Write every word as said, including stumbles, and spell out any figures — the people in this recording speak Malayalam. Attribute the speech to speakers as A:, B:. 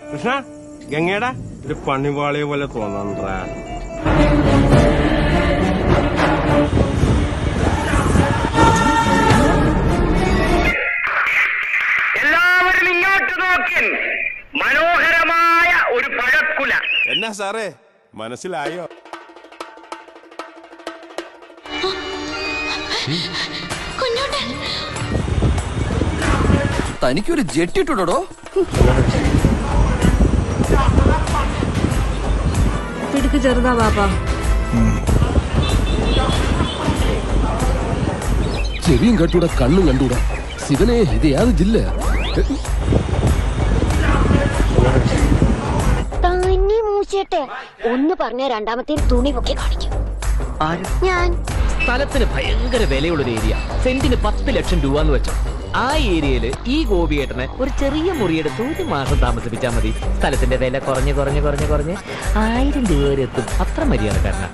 A: കൃഷ്ണ ഗംഗയുടെ ഒരു പണിവാളിയെ പോലെ തോന്നണ്ട.
B: എല്ലാവരും ഇങ്ങോട്ട് നോക്കി. മനോഹരമായ ഒരു പഴക്കുല.
A: എന്നാ സാറേ മനസ്സിലായോ?
C: തനിക്കൊരു ജെട്ടിട്ടുടോ?
D: പിടുക്ക് ചെറുതാ പാപ്പാ.
C: ചെവിയും കട്ടൂടാ, കണ്ണും കണ്ടൂടാ. ശിവനെ, ഇത് യാത് ജില്ല?
E: തന്നെ മൂച്ചേട്ടെ ഒന്ന് പറഞ്ഞ രണ്ടാമത്തെ തുണി പൊക്കി കാണിക്കും. ഞാൻ
F: സ്ഥലത്തിന് ഭയങ്കര വിലയുള്ളൊരു ഏരിയ. സെന്റിന് പത്ത് ലക്ഷം രൂപ എന്ന് വെച്ചോ. ആ ഏരിയയില് ഈ ഗോപിയേട്ടനെ ഒരു ചെറിയ മുറിയെടുത്ത് ഒരു മാസം താമസിപ്പിച്ചാൽ മതി. സ്ഥലത്തിന്റെ വില കുറഞ്ഞ് കുറഞ്ഞ് കുറഞ്ഞ് കുറഞ്ഞ് ആയിരം രൂപ വരെ എത്തും. അത്ര മര്യാദക്കാരനാ.